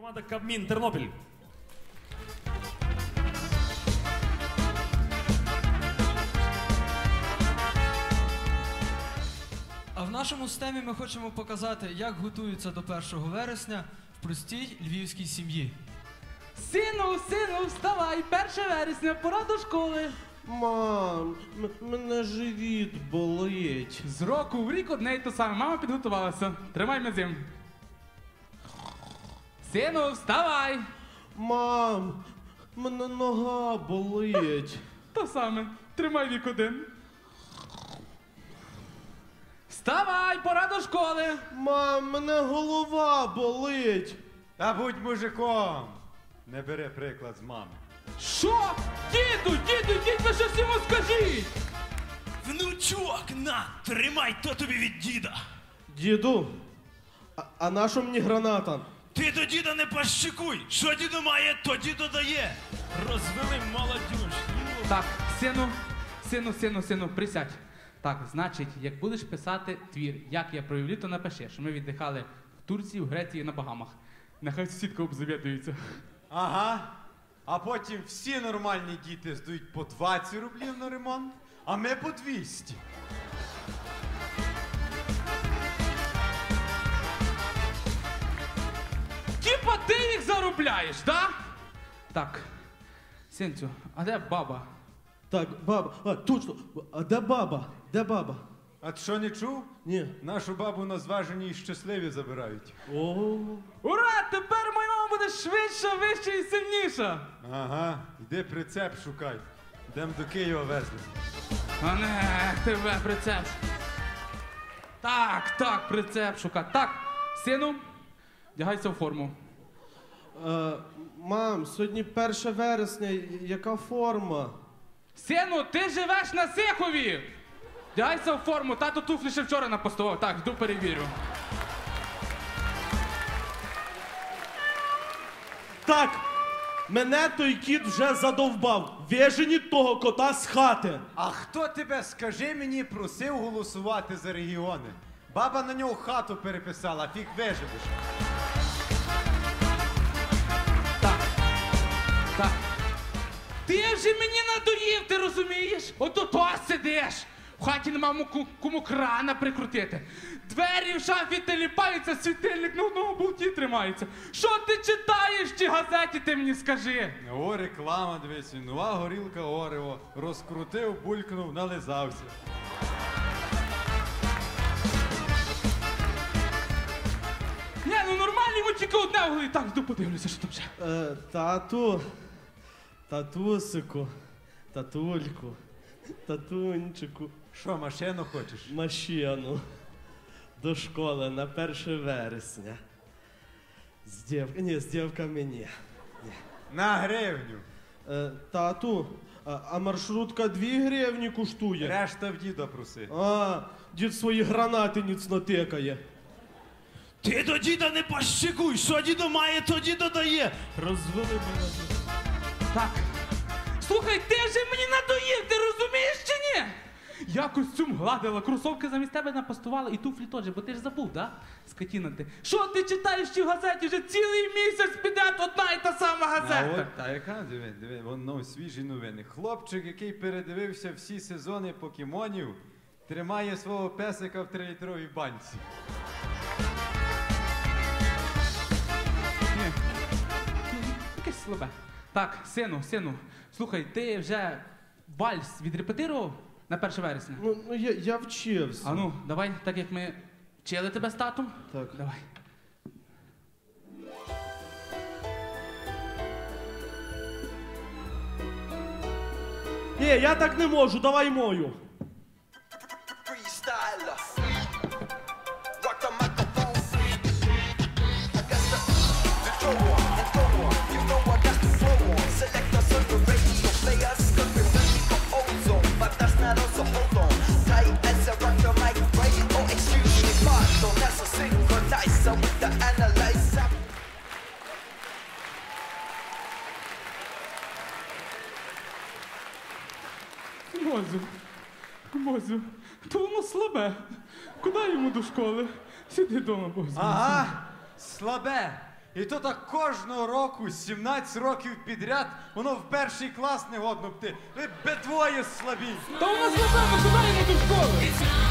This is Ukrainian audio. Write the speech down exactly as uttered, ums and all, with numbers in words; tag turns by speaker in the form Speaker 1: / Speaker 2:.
Speaker 1: Команда Кабмін Тернопіль.
Speaker 2: А в нашому стемі ми хочемо показати, як готуються до першого вересня в простій львівській сім'ї.
Speaker 3: Сину, сину, вставай, перше вересня, пора до школи.
Speaker 4: Мам, м- мене живіт болить.
Speaker 3: З року в рік одне й те саме. Мама підготувалася. Тримай м'язим. Сину, вставай.
Speaker 4: Мам, мене нога болить.
Speaker 3: То саме. Тримай вік один. Вставай, пора до школи.
Speaker 4: Мам, мене голова болить.
Speaker 5: Та будь мужиком. Не бери приклад з мами.
Speaker 3: Що? Діду, діду, йдіть ви щось йому скажіть.
Speaker 1: Внучок, на, тримай, то тобі від діда.
Speaker 4: Діду, а, а на що мені граната?
Speaker 1: Ти до діда не пащикуй. Що діду має, то діду дає. Розвели молодюж.
Speaker 3: Так, сину, сину, сину, сину, присядь. Так, значить, як будеш писати твір, як я провів літо, напиши, що ми віддихали в Турції, в Греції, на Багамах. Нехай сусідка обзавідується.
Speaker 5: Ага. А потім всі нормальні діти здають по двадцять рублів на ремонт, а ми по двісті.
Speaker 3: Тіпа ти їх заробляєш, да? Так, синцю, а де баба?
Speaker 4: Так, баба, а, точно, а де баба? Де баба?
Speaker 5: А ти що не чув?
Speaker 4: Ні.
Speaker 5: Нашу бабу на зважені і щасливі забирають.
Speaker 4: О,
Speaker 3: Ура! Тепер моя мама буде швидша, вища і сильніша!
Speaker 5: Ага, йди прицеп шукай. Йдем до Києва везли.
Speaker 3: А не, тебе прицеп. Так, так, прицеп шукати. Так, сину, вдягайся в форму.
Speaker 4: е, мам, сьогодні перше вересня, яка форма?
Speaker 3: Сину, ти живеш на Сихові! Вдягайся в форму, тато туфлі ще вчора напостував. Так, йду перевірю.
Speaker 4: Так, мене той кіт вже задовбав. Виженіть того кота з хати.
Speaker 5: А хто тебе, скажи мені, просив голосувати за регіони? Баба на нього хату переписала, фіг виживеш.
Speaker 3: Так, так. Ти вже мені надоїв, ти розумієш? Ото то сидиш. В хаті нема ку- кому крана прикрутити. Двері в шафі теліпаються, світильник на одному болті тримається. Що ти читаєш в тій газеті, ти мені скажи?
Speaker 5: О, реклама, дивись, нова горілка Орео. Розкрутив, булькнув, нализався.
Speaker 3: Ні, ну нормально, йому тільки одне в голові. Так, йду подивлюся, що там ще.
Speaker 4: Е, тату, татусику, татульку, татунчику,
Speaker 5: Що, машину хочеш?
Speaker 4: машину до школи на перше вересня. З дів... Ні, з дівками ні.
Speaker 5: На гривню.
Speaker 4: Е, тату, а, а маршрутка дві гривні коштує?
Speaker 5: Решта в діда проси.
Speaker 4: А, дід свої гранати ніцно тикає.
Speaker 1: Ти до діда не пащикуй. Що діду має, то діду дає. Розвели молодюж.
Speaker 3: Так. Слухай, ти вже мені надоїв, ти розумієш чи ні? Я костюм гладила, кросовки замість тебе напастувала і туфлі теж, бо ти ж забув, да? Скотіна ти. Що ти читаєш в цій газеті? Вже цілий місяць піде одна і та сама
Speaker 5: А
Speaker 3: газета.
Speaker 5: от, та яка, диви, диви, воно свіжі новини. Хлопчик, який передивився всі сезони покемонів, тримає свого песика в трилітровій банці.
Speaker 3: Ні. Якесь слабе. Так, сину, сину, слухай, ти вже вальс відрепетирував на перше вересня?
Speaker 4: Ну, ну я, я вчився.
Speaker 3: А ну, давай, так як ми вчили тебе з татом.
Speaker 4: Так.
Speaker 3: Давай.
Speaker 4: Ні, я так не можу, давай мою.
Speaker 6: Freestyler. Rock the microphone. I got the the throw on and throw on. You know I got the flow on. Select us on the radio players. Cause we're ready for ozone. But that's not us, so hold on. Tight as I rock the mic, right? Oh, excuse me, pardon. That's a synchronizer with the analyzer.
Speaker 3: Мозю, Мозю, то воно слабе. Куди йому до школи? Сиди вдома, Мозю.
Speaker 5: Ага, слабе. І то так кожного року, сімнадцять років підряд, воно в перший клас не годно б ти. Ви бедвоє слабі.
Speaker 3: Та у нас слабе, ми куди йому до школи?